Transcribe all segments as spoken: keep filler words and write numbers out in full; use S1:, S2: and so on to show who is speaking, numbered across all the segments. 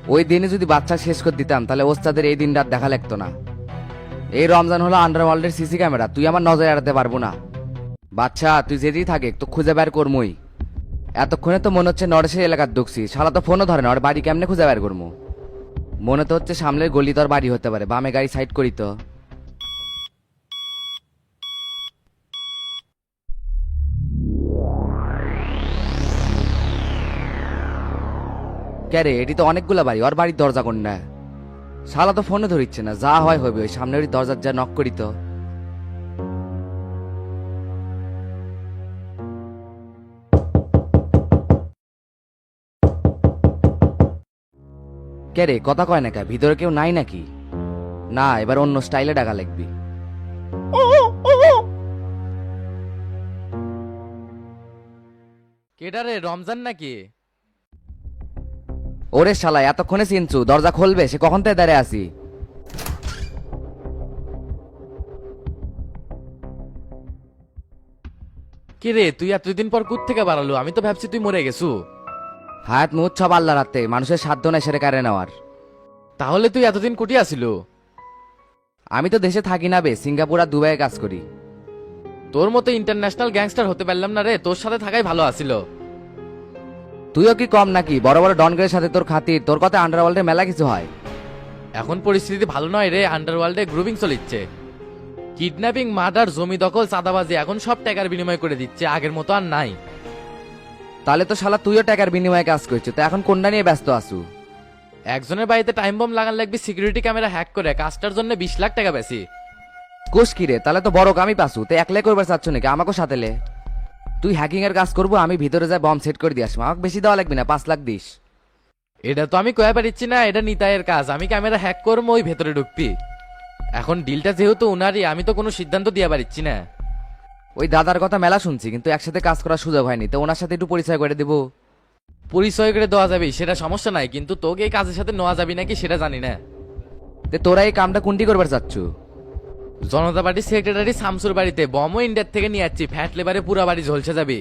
S1: ওই দিনে যদি বাচ্চা শেষ করে দিতাম তাহলে ওস্তাদের এই দিনটা আর দেখা লাগতো না। এই রমজান হলো আন্ডারওয়ার্ল্ডের সিসি ক্যামেরা, তুই আমার নজর এড়াতে পারবো না। বাচ্চা তুই যেতেই থাকে তো খুঁজে বের করমুই। এতক্ষণে তো মনে হচ্ছে নরেশের এলাকার ঢুকছি, শালা তো ফোনও ধরে না, ওর বাড়ি কেমনে খুঁজে বের করবো। মনে তো হচ্ছে সামনের গলি তোর বাড়ি হতে পারে, বামে গাড়ি সাইড করি তো। কে রে, এটি তো অনেকগুলা বাড়ি, ওর বাড়ির দরজা কোনটা? শালা তো ফোনে ধরিচ্ছে না, যা হয় হবে, ওই সামনের ওই দরজার যা নক করি তো। কে রে, কথা কয় না কে, ভিতরে কেউ নাই নাকি? না, এবার অন্য স্টাইলে ডাকা লাগবি।
S2: কেডা রে, রমজান নাকি?
S1: ওরে শালা, এতক্ষণে চিনছু, দরজা খুলবে, সে কখন থেকে দাঁড়িয়ে আছি।
S2: কে রে, তুই এতদিন পর কুত থেকে বাড়ালো? আমি তো ভাবছি তুই মরে গেছু।
S1: হায়াত মুহূর্ত সব আল্লাহ রাতে, মানুষের সাধ্য নাই সেরে কারে নেওয়ার।
S2: তাহলে তুই এতদিন কুটি আসিল?
S1: আমি তো দেশে থাকি না বে, সিঙ্গাপুর আর দুবাইয়ে কাজ করি।
S2: তোর মতো ইন্টারন্যাশনাল গ্যাংস্টার হতে পারলাম না রে, তোর সাথে থাকাই ভালো আসিল।
S1: তুইও কি কম নাকি? বড় বড় ডনগের সাথে তোর খাতির, তোর কথা আন্ডারওয়ার্ল্ডে মেলা কিছু হয়।
S2: এখন পরিস্থিতি ভালো নয় রে, আন্ডারওয়ার্ল্ডে গ্রুপিং চলিচ্ছে। কিডন্যাপিং, মার্ডার, জমি দখল, চাঁদাবাজি, এখন সব টাকার বিনিময় করে দিচ্ছে, আগের মতো আর নাই।
S1: তাহলে তো শালা তুইও টাকার বিনিময়ে কাজ করছিস, তো এখন কোনটা নিয়ে ব্যস্ত আসু?
S2: একজনের বাড়িতে টাইম বম লাগান লাগবে সিকিউরিটি ক্যামেরা হ্যাক করে, কাজটার জন্য বিশ লাখ টাকা বেশি।
S1: কোষ কি রে, তাহলে তো বড় কামই পাসু, তো একলাই করবার চাচ্ছ নাকি? আমাকেও সাথে লে। তুই হ্যাকিং এর কাজ করবো, আমি ভিতরে যাই বম সেট করে দিয়ে আসবো, আমাকে বেশি দেওয়া লাগবে না, পাঁচ লাখ দিস।
S2: এটা তো আমি কয়া পারিচ্ছি না, এটা নিতাইয়ের কাজ, আমি ক্যামেরা হ্যাক করবো, ওই ভেতরে ঢুকবি। এখন ডিলটা যেহেতু উনারই, আমি তো কোনো সিদ্ধান্ত দিয়ে পারিচ্ছি না।
S1: ওই দাদার কথা মেলা শুনছি, কিন্তু একসাথে কাজ করার সুযোগ হয়নি, তো ওনার সাথে একটু পরিচয় করে দেবো।
S2: পরিচয় করে দেওয়া যাবে, সেটা সমস্যা নাই, কিন্তু তোকে এই কাজের সাথে নেওয়া যাবে নাকি সেটা জানি না।
S1: তে তোরা এই কামটা কোনটি করবার চাচ্ছ?
S2: জনতা পার্টির সেক্রেটারি শামসুর বাড়িতে বমও ইন্ডিয়ার থেকে নিয়ে যাচ্ছি, ফ্যাট লেবারে পুরা বাড়ি ঝলসে যাবে।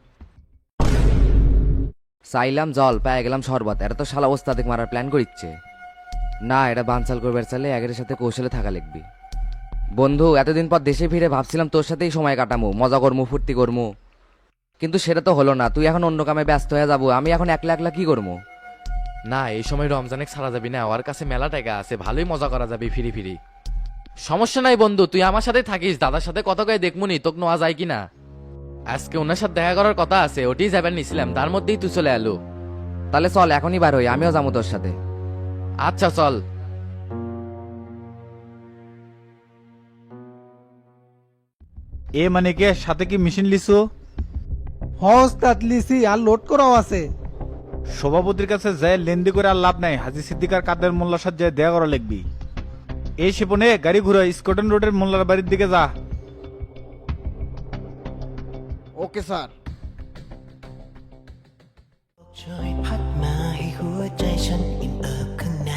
S1: চাইলাম জল, পেয়ে গেলাম শরবত, এটা তো শালা ওস্তাদিক মারার প্ল্যান করিচ্ছে। না, এটা বানচাল করবার চাইলে একের সাথে কৌশলে থাকা লিখবি। বন্ধু, এতদিন পর দেশে ফিরে ভাবছিলাম তোর সাথেই সময় কাটামো, মজা করমু, ফুর্তি করমু, কিন্তু সেটা তো হলো না। তুই এখন অন্য কামে ব্যস্ত হয়ে যাবো, আমি এখন একলা একলা কি করবো?
S2: না, এই সময় রমজানে ছাড়া যাবি না, ওর কাছে মেলা টাকা আছে, ভালোই মজা করা যাবে ফিরি ফিরি। সমস্যা নাই বন্ধু, তুই আমার সাথে থাকিস, দাদার সাথে কত কয়ে দেখমুনি তোকে নেওয়া যায় কিনা। আজকে ওনার সাথে দেখা করার কথা আছে, ওটি যাবেন নিছিলাম, তার মধ্যেই তুই চলে এলো।
S1: তাহলে চল এখনই বার হই, আমিও যাবো তোর সাথে।
S2: আচ্ছা চল।
S3: এ মানে কে, সাথে কি মেশিন লিসু?
S4: হস্তাত লিসি আর লোড করাও আছে।
S3: সভাপতির কাছে যায় লেন্দি করে আর লাভ নাই, হাজি সিদ্দিকার কাদের মোল্লার সাথে যায় দেয়া করা লিখবি। এই শিপনে গাড়ি ঘুরে স্কটন রোডের মোল্লার বাড়ির দিকে যা।
S4: Okay sir.
S5: ช่วยพัดมาให้หัวใจฉันอิ่มเอิบข้างใน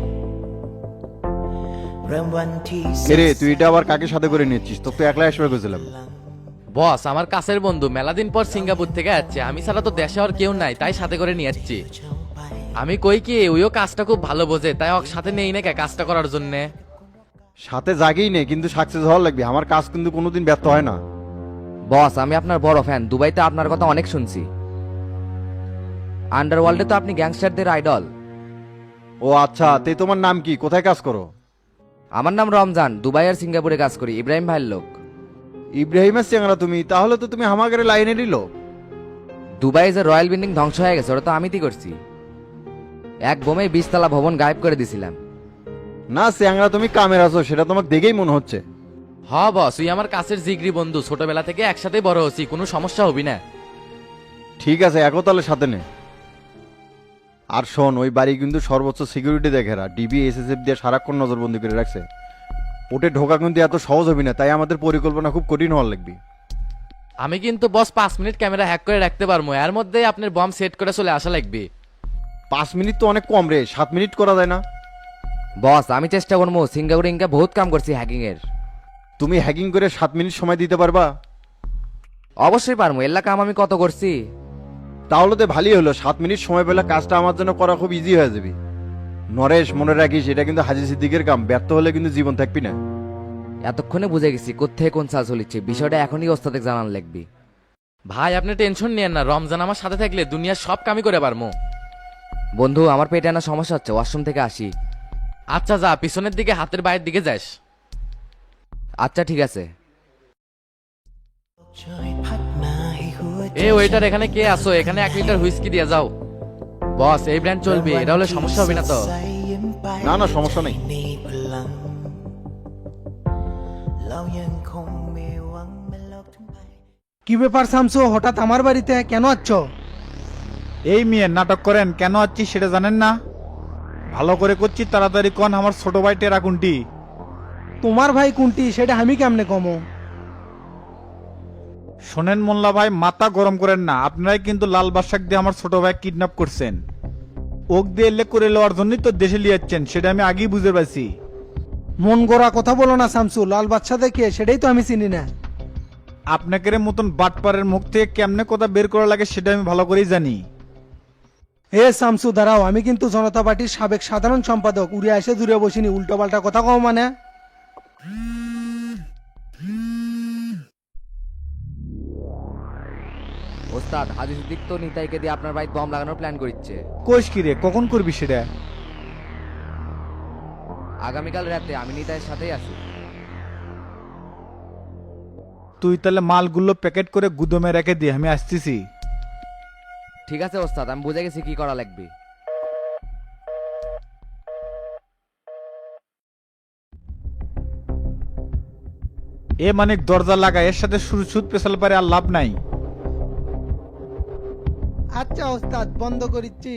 S5: เริ่มวันที่
S6: এরে তুই এটা আবার কাকে সাথে করে নিচ্ছিস? তোকে তো একলা আসবে গেছিলাম।
S2: বস আমার কাছের বন্ধু, মেলা দিন পর সিঙ্গাপুর থেকে আসছে, আমি ছাড়া তো দেশে আর কেউ নাই, তাই সাথে করে নিয়ে যাচ্ছি। আমি কই কি ওইও কাজটা খুব ভালো বোঝে, তাই ওর সাথে নেই না কে কাজটা করার জন্যে।
S6: সাথে জাগেই নেই, কিন্তু সাকসেস হওয়ার লাগবে। আমার কাজ কিন্তু কোনোদিন ব্যর্থ হয় না।
S1: বস, আমি আপনার বড় ফ্যান, দুবাইতে আপনার কথা অনেক শুনছি। আন্ডারওয়ার্ল্ডে তো আপনি গ্যাংস্টারদের আইডল।
S6: ও আচ্ছা, তে তোমার নাম কি, কোথায় কাজ করো?
S1: আমার নাম রমজান, দুবাই আর সিঙ্গাপুরে কাজ করি, ইব্রাহিম ভাইয়ের লোক।
S6: ইব্রাহিমের চেংড়া তুমি? তাহলে তো তুমি হামাগারে লাইনে নিল।
S1: দুবাই যে রয়্যাল বিল্ডিং ধ্বংস হয়ে গেছে, ওটা তো আমি করছি। এক বোমে বিশতলা ভবন গায়েব করে দিছিলাম।
S6: না চেংড়া, তুমি কামের আছো, সেটা তোমাকে দেখেই মনে হচ্ছে।
S2: হ বস, তুই আমার কাছের জিগরি বন্ধু, ছোটবেলা থেকে একসাথে বড় হচ্ছি, কোনো সমস্যা হবি না।
S6: ঠিক আছে, একও তাহলে সাথে নে। আর শোন, ওই বাড়ি কিন্তু সর্বোচ্চ সিকিউরিটি দেখেরা, ডিবি এসএসএফ দিয়ে সারাক্ষণ নজরবন্দি করে রাখছে। ওটে ঢোকা কিন্তু এত সহজ হবি না, তাই আমাদের পরিকল্পনা খুব কঠিন হওয়ার লাগবে।
S2: আমি কিন্তু বস পাঁচ মিনিট ক্যামেরা হ্যাক করে রাখতে পারবো, এর মধ্যে আপনার বম সেট করে চলে আসা লাগবে।
S6: পাঁচ মিনিট তো অনেক কম রে, সাত মিনিট করা যায় না?
S1: বস, আমি চেষ্টা করবো, সিঙ্গাপুরে ইনকা বহুত কাম করছি হ্যাকিং এর।
S6: তুমি হ্যাকিং করে সাত মিনিট সময় দিতে পারবা?
S1: অবশ্যই পারবো, এল্লা কাম আমি কত করছি।
S6: তাহলে তো ভালোই হলো, সাত মিনিট সময় পেলে কাজটা আমার জন্য করা খুব ইজি হয়ে যাবে। নরেশ মনে রাখিস এটা কিন্তু হাজি সিদ্দিকের কাম, ব্যর্থ হলে কিন্তু জীবন থাকবি না।
S1: এতক্ষণে বুঝে গেছি কোত্থেকে কোন চাল চলিচ্ছে, বিষয়টা এখনই ওস্তাদে জানান লাগবি।
S2: ভাই আপনি টেনশন নিয়েন না, রমজান আমার সাথে থাকলে দুনিয়ার সব কামই করে পারমু।
S1: বন্ধু আমার পেটে না সমস্যা হচ্ছে, ওয়াশরুম থেকে আসি।
S2: আচ্ছা যা, পিছনের দিকে হাতের বাইরের দিকে যাস।
S1: আচ্ছা ঠিক আছে।
S5: ช่วยพัดมาให้หัวใจ
S2: এ ওয়েটার, এখানে কে আসো? এখানে এক লিটার হুইস্কি দিয়ে যাও। বস এই ব্র্যান্ড চলবে, এটা হলে সমস্যা হবে না তো?
S6: না না সমস্যা নেই।
S5: มีพลังเรายังคงมีหวังแม้โลกทั้งใบ
S4: কি ব্যাপার শামসু, হঠাৎ আমার বাড়িতে কেন আচ্ছ?
S3: এই মেয়ে নাটক করেন কেন আছি সেটা জানেন না? ভালো করে করছি, তাড়াতাড়ি কন আমার ছোট ভাই টেরা কোনটি?
S4: তোমার ভাই কোনটি সেটা আমি কেমনে কমো?
S3: শোনেন মোল্লা ভাই, মাথা গরম করেন না। আপনারাই কিন্তু লাল বাদশাক দিয়ে আমার ছোট ভাই কিডন্যাপ করছেন। ওক দিয়ে এলে করে লওয়ার জন্যই তো দেশে লিয়াচ্ছেন, সেটা আমি আগেই বুঝতে পারছি।
S4: মন গড়া কথা বলো না শামসু, লাল বাচ্চা দেখে সেটাই তো আমি চিনি না।
S3: আপনাকে মতন বাটপারের মুখ থেকে কেমনে কথা বের করা লাগে সেটা আমি ভালো করেই জানি।
S4: হে শামসু দাঁড়াও, আমি কিন্তু জনতা পার্টির সাবেক সাধারণ সম্পাদক, উড়ে এসে দূরে বসিনি, উল্টো পাল্টা কথা কও মানে।
S1: ওস্তাদ হাজি সিদ্দিক তো নিতাইকে দিয়ে আপনার বাড়িতে বম লাগানোর প্ল্যান করছে।
S3: কোষ কি রে, কখন করবি সেটা?
S1: আগামীকাল রাতে আমি নিতাইয়ের সাথেই আছি।
S3: তুই তাহলে মালগুলো প্যাকেট করে গুদমে রেখে দিয়ে আমি আসতেছি।
S1: ঠিক আছে ওস্তাদ, আমি বুঝে গেছি কি করা লাগবে।
S3: এ মানে দরজা লাগা, এর সাথে সুর সুদ পেশাল পারে আর লাভ নাই।
S4: আচ্ছা ওস্তাদ, বন্ধ করিচ্ছি।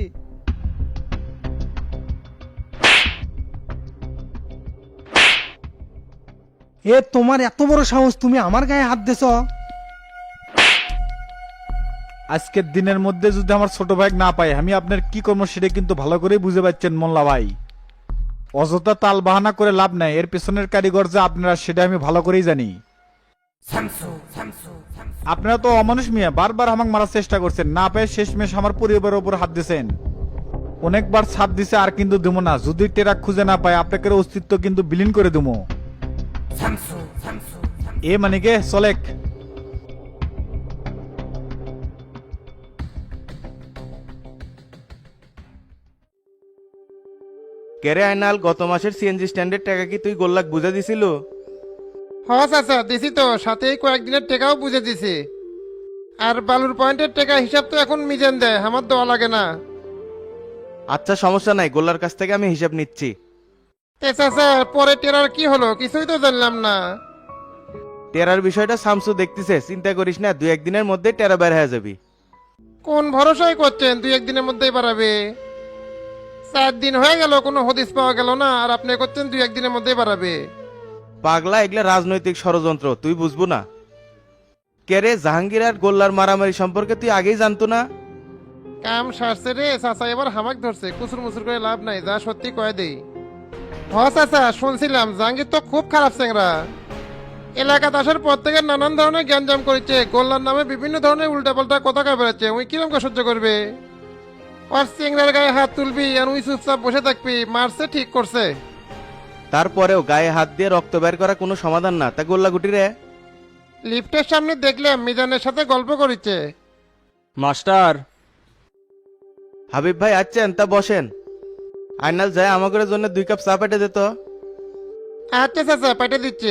S4: এ তোমার এত বড় সাহস, তুমি আমার গায়ে হাত দেছ?
S3: আজকের দিনের মধ্যে যদি আমার ছোট ভাই না পাই, আমি আপনার কি করবো সেটা কিন্তু ভালো করেই বুঝে পাচ্ছেন মোল্লা ভাই। অযথা তাল বাহানা করে লাভ নাই, এর পেছনের কারিগর যে আপনারা সেটা আমি ভালো করেই জানি। আপনারা তো অমানুষ মিয়া, বারবার আমাকে মারার চেষ্টা করছেন, না পেয়ে শেষমেশ আমার পরিবারের উপর হাত দিয়েছেন। অনেকবার ছাপ দিছে, আর কিন্তু দেবো না। যদি টেরাক খুঁজে না পায় আপনাদের অস্তিত্ব কিন্তু বিলীন করে দেবো। এ মানে কে চলেক।
S7: কেরে আইনাল, গত মাসের সিএনজি স্ট্যান্ডের টাকা কি তুই গোল্লাক বুঝে দিছিল?
S8: হস আচ্ছা দিছি তো, সাথেই কয়েকদিনের টাকাও বুঝে দিছি। আর বালুর পয়েন্টের টাকা হিসাব তো এখন মিজেন দেয়, আমার দেওয়া লাগে না।
S7: আচ্ছা সমস্যা নাই, গোল্লার কাছ থেকে আমি হিসাব নিচ্ছি।
S8: তে চাচা, পরে টেরার কি হলো কিছুই তো জানলাম না।
S7: টেরার বিষয়টা শামসু দেখতেছে, চিন্তা করিস না, দুই একদিনের মধ্যে টেরা বের হয়ে যাবি।
S8: কোন ভরসায় করছেন দুই একদিনের মধ্যেই বাড়াবে? চার দিন হয়ে গেল কোনো হদিস পাওয়া গেল না, আর আপনি করছেন দুই একদিনের মধ্যেই বাড়াবে।
S7: পাগলা, এগুলা রাজনৈতিক ষড়যন্ত্র, তুই বুঝবো না। কেরে জাহাঙ্গীর আর গোল্লার মারামারি সম্পর্কে তুই আগেই জানতো না?
S8: কাম সারছে রে চাচা, এবার হামাক ধরছে, কুচুর মুচুর করে লাভ নাই, যা সত্যি কয়ে দেই। হস আচ্ছা, শুনছিলাম জাহাঙ্গীর তো খুব খারাপ চেংরা। এলাকাতে আসার পর থেকে নানান ধরনের জ্ঞানজাম করেছে, গোল্লার নামে বিভিন্ন ধরনের উল্টাপাল্টা কথা কয়ে বেড়াচ্ছে। উই কিরম করে সহ্য করবে? আর চেংরার গায়ে হাত তুলবি আর উই চুপচাপ বসে থাকবি? মারছে ঠিক করছে।
S7: তারপরেও গায়ে হাত দিয়ে রক্ত বের করা কোনো সমাধান না, তা গোল্লা গুটি রে।
S8: লিফটের সামনে দেখলাম মিজানের সাথে গল্প করিচ্ছে।
S7: মাস্টার হাবিব ভাই আছেন? তা বসেন। আইনাল যায় আমাদের জন্য দুই কাপ চা পেটে দিত।
S8: আচ্ছা চাচা, পাঠিয়ে দিচ্ছি।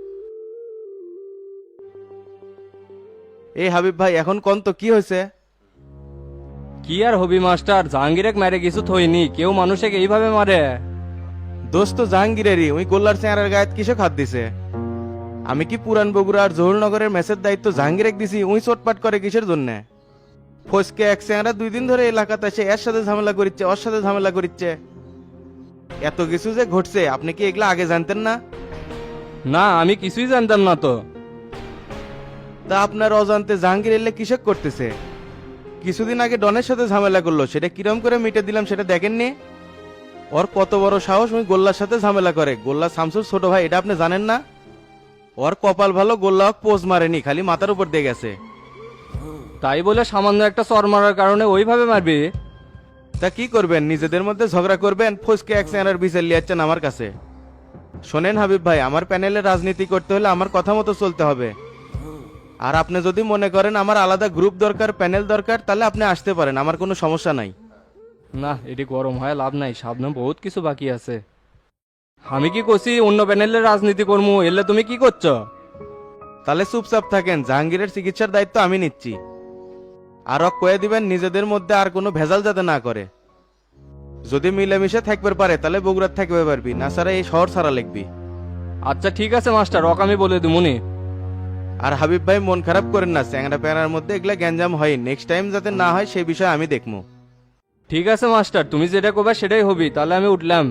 S7: এই হাবিব ভাই, এখন কোন তো কি হয়েছে?
S9: কি আর হবি মাস্টার, জাহাঙ্গীরে মেরে কিছু থইনি, কেউ মানুষকে এইভাবে মারে?
S7: দোস্ত জাহাঙ্গীরেরই, ওই গোল্লার চেহারার গায়ে কিসে খাত দিছে? আমি কি পুরান বগুড়া আর জহুরনগরের ম্যাচের দায়িত্ব জাহাঙ্গীরে দিছি? উই চটপাট করে কিসের জন্য? ফসকে এক চেহারা দুই দিন ধরে এলাকাতে এসে এর সাথে ঝামেলা করিচ্ছে, ওর সাথে ঝামেলা করিচ্ছে। এত কিছু যে ঘটছে, আপনি কি এগুলা আগে জানতেন না?
S9: না, আমি কিছুই জানতাম না তো।
S7: তা আপনার অজান্তে জাহাঙ্গীর এলে কিসব করতেছে? কিছুদিন আগে ডনের সাথে ঝামেলা করলো, সেটা কিরম করে মিটে দিলাম সেটা দেখেননি? ওর কত বড় সাহস, ওই গোল্লার সাথে ঝামেলা করে। গোল্লা শামসুর ছোট ভাই, এটা আপনি জানেন না? ওর কপাল ভালো, গোল্লা পোজ মারেনি, খালি মাথার উপর দিয়ে গেছে।
S9: তাই বলে সামান্য একটা চর মারার কারণে ওইভাবে মারবি?
S7: তা কি করবেন, নিজেদের মধ্যে ঝগড়া করবেন, ফসকে এক চেহারার বিচার লিয়াচ্ছেন আমার কাছে। শোনেন হাবিব ভাই, আমার প্যানেলে রাজনীতি করতে হলে আমার কথা মতো চলতে হবে। আর আপনি যদি মনে করেন আমার আলাদা গ্রুপ দরকার, প্যানেল দরকার, তাহলে আপনি আসতে পারেন, আমার কোনো সমস্যা নাই।
S9: না এটি গরম হয় লাভ নাই, সামনে বহুত কিছু বাকি আছে। আমি কি করছি অন্য প্যানেলের রাজনীতি করবো, এলে তুমি কি করছো?
S7: তাহলে চুপচাপ থাকেন, জাহাঙ্গীরের চিকিৎসার দায়িত্ব আমি নিচ্ছি। আরো কয়ে দিবেন নিজেদের মধ্যে আর কোনো ভেজাল যাতে না করে। যদি মিলেমিশে থাকবে পারে তাহলে বগুড়ার থাকবে পারবি, না ছাড়া এই শহর ছাড়া লিখবি।
S9: আচ্ছা ঠিক আছে মাস্টার, রক আমি বলে দিমুনি।
S7: আর হাবিব ভাই মন খারাপ করেন না, চ্যাংরা প্যাংরার মধ্যে এগুলা গ্যাঞ্জাম হয়, নেক্সট টাইম যাতে না হয় সেই বিষয়ে আমি দেখবো।
S9: ঠিক আছে মাস্টার, তুমি যেটা করবে সেটাই হবি, তাহলে আমি উঠলাম।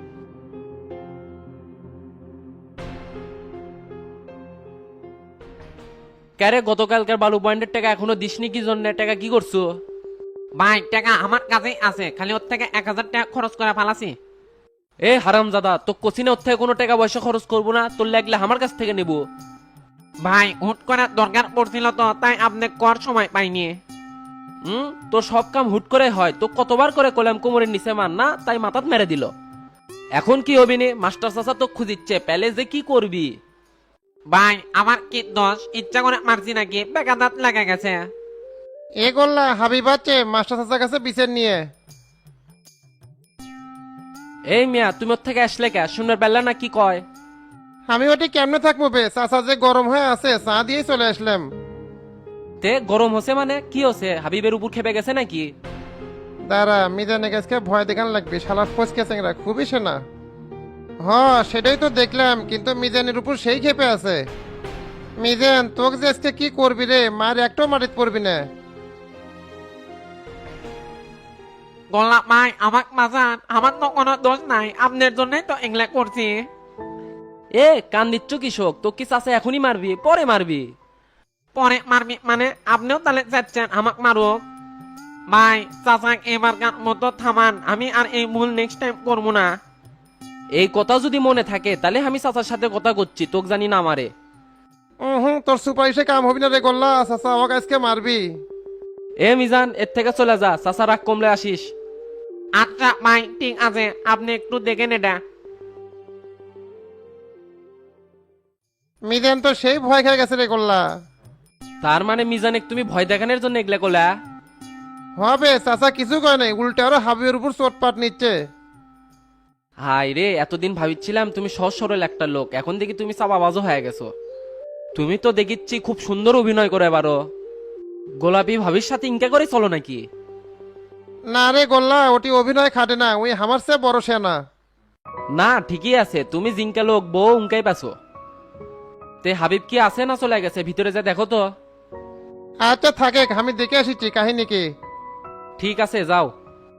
S10: ক্যারে গতকালকার বালু পয়েন্টের টাকা এখনো দিসনি কি জন্য? টাকা কি করছো?
S11: ভাই টাকা আমার কাছেই আছে, খালি ওর থেকে এক হাজার টাকা খরচ করে ফালাছি।
S10: এ হারাম দাদা, তো কোচিনে ওর থেকে কোনো টাকা পয়সা খরচ করবো না, তোর লাগলে আমার কাছ থেকে নেবো।
S11: ভাই হুট করে দরকার পড়ছিল তো, তাই আপনি কর সময় পাইনি।
S10: হুম, তোর সব কাম হুট করে হয়, তো কতবার করে কলাম কোমরের নিচে মান না, তাই মাথাত মেরে দিল। এখন কি হবি নে? মাস্টার চাচা তো খুঁজিচ্ছে, প্যালে যে কি করবি?
S11: ভাই আমার কি দোষ, ইচ্ছা করে মারছি নাকি? বেকাদাত লেগে গেছে।
S8: এ গোল্লা হাবিব আছে মাস্টার চাচার কাছে বিচার নিয়ে।
S10: এই মিয়া, তুমি ওর থেকে আসলে কে? শুনবার পেলা না কি কয়?
S8: আমি ওটি কেমনে থাকবো বে, চাচা যে গরম হয়ে আছে চা দিয়েই চলে আসলাম।
S10: তে গরম হচ্ছে মানে কি হচ্ছে? হাবিবের উপর খেপে গেছে নাকি?
S8: দাঁড়া, মিজানের কাছে ভয় দেখান লাগবে, শালা ফসকে চেংরা খুবই সেনা। হ সেটাই তো দেখলাম, কিন্তু মিজানের উপর সেই খেপে আছে। মিজান তোকে যে আজকে কি করবি রে, মার একটাও মাটিত পড়বি না।
S11: গোলাপ ভাই আমাক মাজান, আমার তো কোনো দোষ নাই, আপনার জন্যই তো এগুলা করছি।
S10: এ কান দিচ্ছ কৃষক, তো কি চাচা এখনই মারবি পরে মারবি?
S11: পরে মারবি মানে আপনিও তাহলে চাচ্ছেন আমাক মারুক? ভাই চাচাক এবারকার মতো থামান, আমি আর এই ভুল নেক্সট টাইম করবো না।
S10: এই কথা যদি মনে থাকে তাহলে আমি চাচার সাথে কথা করছি, তোকে জানি না মারে।
S8: হুম, তোর সুপারিশে কাম হবি না রে গোল্লা, চাচা আমাকে আজকে মারবি।
S10: এ মিজান, এর থেকে চলে যা, চাচা রাগ কমলে আসিস।
S11: আচ্ছা ভাই ঠিক আছে, আপনি একটু দেখেন এটা।
S8: মিজান তো সেই ভয় খেয়ে গেছে রে গোল্লা।
S10: তার মানে মিজানে তুমি ভয় দেখানোর জন্য এগুলা কোলা?
S8: হবে চাচা কিছু কয় নাই, উল্টে আরো হাবিবের উপর চোটপাট নিচ্ছে।
S10: হাই রে, এতদিন ভাবিছিলাম তুমি সহজ সরল একটা লোক, এখন দেখি তুমি চাপাবাজও হয়ে গেছো। তুমি তো দেখিচ্ছি খুব সুন্দর অভিনয় করে পারো। গোলাপি ভাবির সাথে ইনকা করে চলো নাকি?
S8: না রে গোল্লা, ওটি অভিনয় খাটে না, ওই আমার চেয়ে বড় সেনা।
S10: না ঠিকই আছে, তুমি জিঙ্কা লোক বউ উনকাই পাছো। তে হাবিব কি আছে না চলে গেছে? ভিতরে যা দেখো তো।
S8: আচ্ছা থাকে, আমি দেখে আসিছি কাহিনী কি।
S10: ঠিক আছে যাও।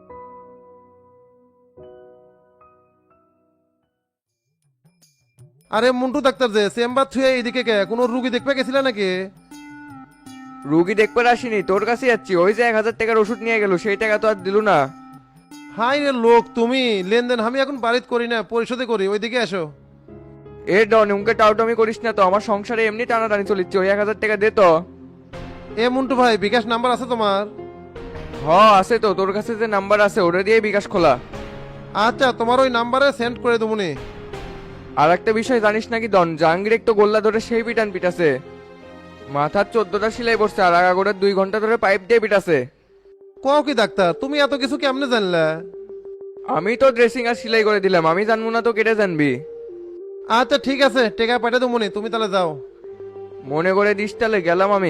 S8: আরে মন্টু ডাক্তার যে চেম্বার থুয়ে এইদিকে কে, কোনো রুগী দেখতে গেছিল নাকি?
S12: রুগী দেখবার আসিনি, তোর কাছে যাচ্ছি। ওই যে এক হাজার টাকার ওষুধ নিয়ে গেল, সেই টাকা তো আর দিল না।
S8: হাই রে লোক তুমি, লেনদেন আমি এখন বাড়িত করি না, পরিশোধে করি, ওইদিকে এসো।
S12: এ ডন উনকে টাউটামি করিস না তো, আমার সংসারে এমনি টানাটানি চলিচ্ছে। ওই এক হাজার টাকা দে তো।
S8: এ মন্টু ভাই, বিকাশ নাম্বার আছে তোমার?
S12: হ আছে তো, তোর কাছে যে নাম্বার আছে ওটা দিয়ে বিকাশ খোলা।
S8: আচ্ছা তোমার ওই নাম্বারে সেন্ড করে দেবনি।
S12: আর একটা বিষয় জানিস নাকি ডন, জাহাঙ্গীর একটু গোল্লা ধরে সেই পিটান পিটাছে। মাথার চোদ্দটা সেলাই পড়ছে, আর আগাগোড়ার দুই ঘন্টা ধরে পাইপ দিয়ে পিটাছে।
S8: কও কি ডাক্তার, তুমি এত কিছু কেমনে জানলা?
S12: আমি তো ড্রেসিং আর সেলাই করে দিলাম, আমি জানবো না তো কেটে জানবি?
S8: আচ্ছা ঠিক আছে, টেকা পাঠিয়ে দেবনি, তুমি তাহলে যাও।
S12: মনে করে দিস, তাহলে গেলাম আমি।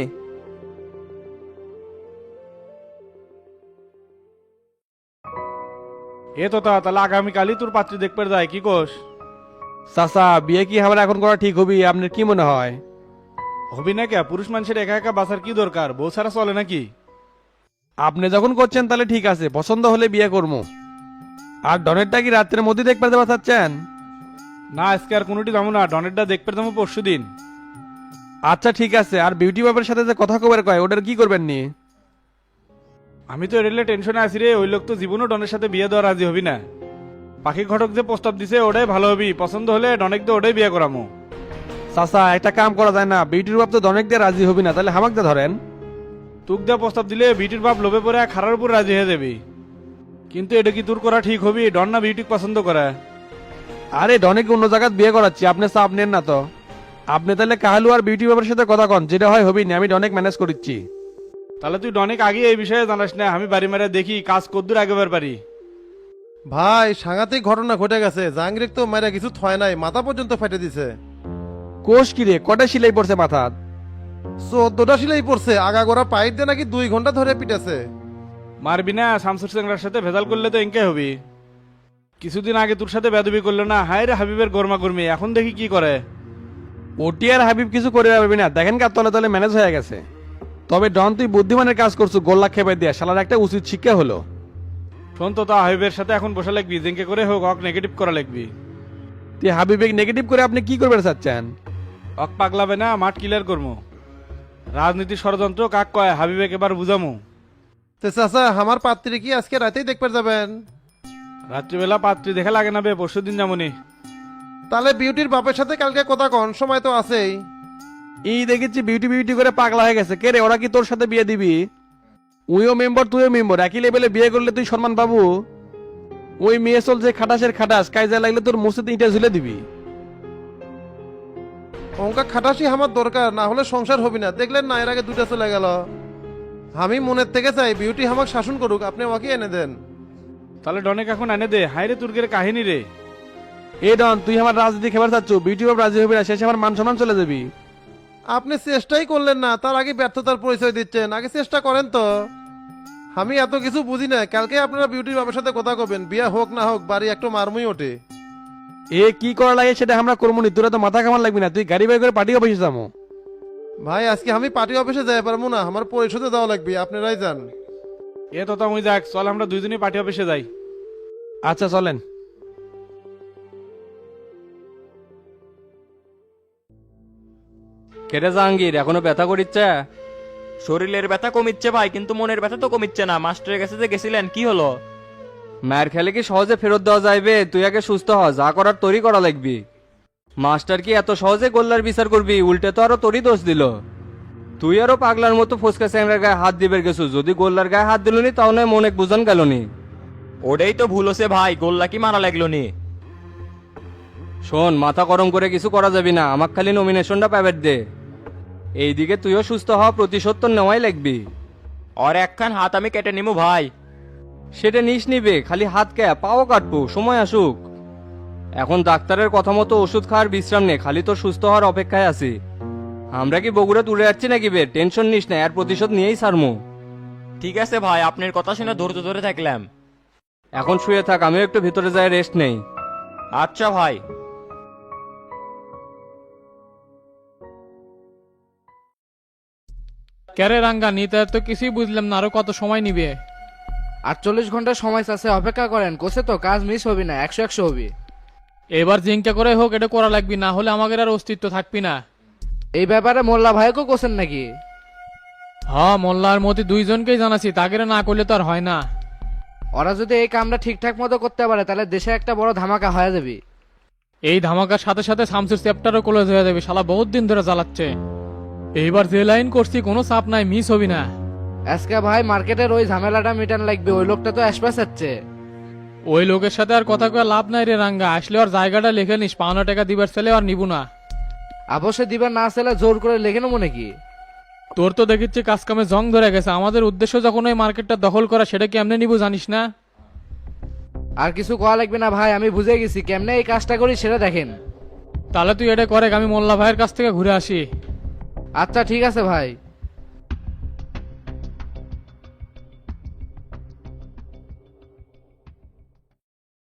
S3: এ তো তা, তাহলে আগামীকালই তোর পাত্রী দেখতে যায়, কি কোস?
S7: চাচা বিয়ে কি আমার এখন করা ঠিক হবি, আপনার কি মনে হয়?
S3: হবি না কে, পুরুষ মানুষের একা একা বাঁচার কি দরকার, বউ ছাড়া চলে নাকি?
S7: আপনি যখন করছেন তাহলে ঠিক আছে, পছন্দ হলে বিয়ে করবো। আর ডনেরটা কি রাত্রের মধ্যে দেখতে দেওয়া চাচ্ছেন?
S3: না আজকে আর কোনোটি যাবো না, ডনেরটা দেখতে যাবো পরশু দিন।
S7: আচ্ছা ঠিক আছে, আর বিউটি বাপের সাথে যে কথা কবার কয় ওটার কি করবেন নি?
S3: আমি তো রেলে টেনশনে আছি রে, ওই লোক তো জীবনও ডনের সাথে বিয়ে দেওয়া রাজি হবি না। পাখি ঘটক যে প্রস্তাব দিছে ওটাই ভালো হবি, পছন্দ হলে ডনেক দিয়ে ওটাই বিয়ে করামো।
S7: চাচা একটা কাম করা যায় না, বিউটির বাপ তো ডনেক দিয়ে রাজি হবি না, তাহলে হামাক দিয়ে ধরেন।
S3: তুক দেওয়া প্রস্তাব দিলে বিটির বাপ লোভে পড়ে খারার উপর রাজি হয়ে যাবি। কিন্তু এটা কি তোর করা ঠিক হবি? ডন না বিউটি পছন্দ করে?
S7: আরে ডনেকে অন্য জায়গায় বিয়ে করাচ্ছি, আপনি চাপ নেন না তো। আপনি তাহলে কাহালু আর বিউটি বাবার সাথে কথা কন, যেটা হয় হবি না, আমি ডনেক ম্যানেজ করিচ্ছি।
S3: তাহলে তুই অনেক আগে এই বিষয়ে জানাস না, আমি বাড়ি মেরে দেখি কাজ কদ্দুর আগেবার পারি।
S8: ভাই সাংঘাতিক ঘটনা ঘটে গেছে, জাহাঙ্গীর তো মায়েরা কিছু থয় নাই, মাথা পর্যন্ত ফেটে দিছে।
S7: কোষ কিরে, কটা সিলাই পড়ছে মাথাত?
S8: চোদ্দটা সিলাই পড়ছে, আগাগোড়া পাইপ দিয়ে নাকি দুই ঘন্টা ধরে পিটেছে।
S3: মারবি না, শামসুর চেংড়ার সাথে ভেজাল করলে তো এঙ্কে হবি। কিছুদিন আগে তোর সাথে বেদবি করলো না, হায় রে হাবিবের গরমা গরমি, এখন দেখি কি করে।
S7: ওটি আর হাবিব কিছু করে পারবি না, দেখেন কার তলে তলে ম্যানেজ হয়ে গেছে। তবে ডন তুই বুদ্ধিমানের কাজ করছো, গোল্লা খেপে দিয়া শালার একটা উচিত শিক্ষা হলো।
S3: শোন তো, তা হাবিবের সাথে এখন বসা লাগবি, জেঙ্কে করে হোক অক নেগেটিভ করা লাগবি।
S7: তুই হাবিবেক নেগেটিভ করে আপনি কি করবেন চাচ্ছেন?
S3: অক পাগলাবে না, মাঠ ক্লিয়ার করবো। রাজনীতি ষড়যন্ত্র কাক কয়, হাবিবেক এবার বুঝামু।
S8: তো চাচা আমার পাত্রী কি আজকে রাতেই দেখতে যাবেন?
S3: রাত্রিবেলা পাত্রী দেখা লাগে না বে, পরশু দিন যেমনই।
S8: তাহলে বিউটির বাপের সাথে কালকে কথা কন, সময় তো আছেই।
S7: এই দেখেছি বিউটি বিউটি করে পাগলা হয়ে গেছে। কে রে, ওরা কি তোর সাথে বিয়ে দিবি? উইও মেম্বার তুইও মেম্বার, একই লেভেলে বিয়ে করলে তুই সম্মান পাবো? ওই মেয়ে চল যে খাটাসের খাটাস, কাজে লাগলে তোর মুসিতে ইটা ঝুলে দিবি।
S8: অঙ্কা খাটাসি আমার দরকার, না হলে সংসার হবি না। দেখলেন না এর আগে দুটা চলে গেল। আমি মনের থেকে চাই বিউটি আমাকে শাসন করুক, আপনি আমাকে এনে দেন।
S3: তাহলে ডনেক এখন এনে দে, হাই রে তুর্গের কাহিনী রে।
S7: এ ডন, তুই আমার রাজনীতি খেবার চাচ্ছ, বিউটি বাপ রাজি হবি না, শেষে আমার মান সম্মান চলে যাবি।
S8: আপনি চেষ্টাই করলেন না, তার আগে ব্যর্থতার পরিচয় দিচ্ছেন। আগে চেষ্টা করেন তো। আমি এত কিছু বুঝি না, কালকে আপনারা বিউটির বাবার সাথে কথা কবেন, বিয়া হোক না হোক বাড়ি একটু মারমুই ওঠে।
S7: এ কি করা লাগে সেটা আমরা করবো নি, তোরা তো মাথা কামান লাগবি না। তুই গাড়ি বাই করে পার্টি অফিসে যাবো।
S8: ভাই আজকে আমি পার্টি অফিসে যাই পারবো না, আমার পরিশোধে যাওয়া লাগবে, আপনারাই যান।
S3: এ তো তামুই যাক, চল আমরা দুইজনই পার্টি অফিসে যাই।
S7: আচ্ছা চলেন।
S9: কেটে জাহাঙ্গীর এখনো ব্যথা করিচ্ছে?
S10: শরীরের ব্যথা কমিচ্ছে ভাই, কিন্তু মনের ব্যথা তো কমিচ্ছে না। মাস্টারের কাছে যে গেছিলেন, কি হলো?
S9: মায়ের খেলে কি সহজে ফেরত দেওয়া যাইবে? তুই আগে সুস্থ হ, যা করার তোরই করা লাগবি। মাস্টার কি এত সহজে গোল্লার বিচার করবি? উল্টে তো আরো তোরই দোষ দিল। তুই আরো পাগলার মতো ফসকা স্যাংরার গায়ে হাত দিবে গেছু, যদি গোল্লার গায়ে হাত দিলনি তাহলে মনে বুঝান গেলনি।
S10: ওটাই তো ভুল হচ্ছে ভাই, গোল্লা কি মারা লাগলো নি?
S9: শোন, মাথা গরম করে কিছু করা যাবি না, আমাক খালি নমিনেশনটা প্রাইভেট দে। এইদিকে তুইও সুস্থ হওয়া, প্রতিশোধ তো নেওয়াই লাগবি।
S10: আর একখান হাত আমি কেটে নিমু ভাই।
S9: সেটা নিস নিবে, খালি হাত কে পাও কাটবো, সময় আসুক। এখন ডাক্তারের কথা মতো ওষুধ খাওয়ার বিশ্রাম নে, খালি তোর সুস্থ হওয়ার অপেক্ষায় আছি। আমরা কি বগুড়া তুলে যাচ্ছি নাকি বে? টেনশন নিস না, এর প্রতিশোধ নিয়েই সারমু।
S10: ঠিক আছে ভাই, আপনার কথা শুনে ধৈর্য ধরে থাকলাম।
S9: এখন শুয়ে থাক, আমিও একটু ভিতরে যাই রেস্ট নেই।
S10: আচ্ছা ভাই।
S13: ক্যারে রাঙ্গা নিতে তো কিছুই বুঝলাম না, আরো কত সময় নিবে?
S1: আটচল্লিশ ঘন্টা সময় আছে, অপেক্ষা করেন। কোসে তো কাজ মিস হবি না, একশো একশো হবি।
S13: এবার জিঙ্কা করে হোক এটা করা লাগবি, না হলে আমাদের আর অস্তিত্ব থাকবি না।
S1: এই ব্যাপারে মোল্লা ভাইকেও কোসেন নাকি?
S13: হ্যাঁ, মোল্লা আর মতি দুইজনকেই জানাছি, তাকে না করলে তো আর হয় না।
S1: ওরা যদি এই কামটা ঠিকঠাক মতো করতে পারে তাহলে দেশে একটা বড় ধামাকা হয়ে যাবে।
S13: এই ধামাকার সাথে সাথে শামসুর চ্যাপ্টারও ক্লোজ হয়ে যাবে, শালা বহুত দিন ধরে জ্বালাচ্ছে। এইবার যে লাইন করছি কোনো চাপ নাই, মিস হবি না।
S1: আজকে ভাই মার্কেটের ওই ঝামেলাটা মিটান লাগবে, ওই লোকটা তো অ্যাসপাস হচ্ছে।
S13: ওই লোকের সাথে আর কথা কয়ে লাভ নাই রে রাঙ্গা, আসলে ওর জায়গাটা লিখে নিস, পাওনা টাকা দিবার ছেলে আর নিবু না।
S1: অবশ্য দিবার না ছেলে জোর করে লেখে নেবো নাকি?
S13: তোর তো দেখিচ্ছি কাজ কামে জং ধরে গেছে, আমাদের উদ্দেশ্য যখন ওই মার্কেটটা দখল করা, সেটা কি এমনি নিবু জানিস না?
S1: আর কিছু কওয়া লাগবে না ভাই, আমি বুঝে গেছি কেমনে এই কাজটা করি সেটা দেখেন।
S13: তাহলে তুই এটা করে, আমি মোল্লা ভাইয়ের কাছ থেকে ঘুরে আসি।
S1: আচ্ছা ঠিক আছে ভাই।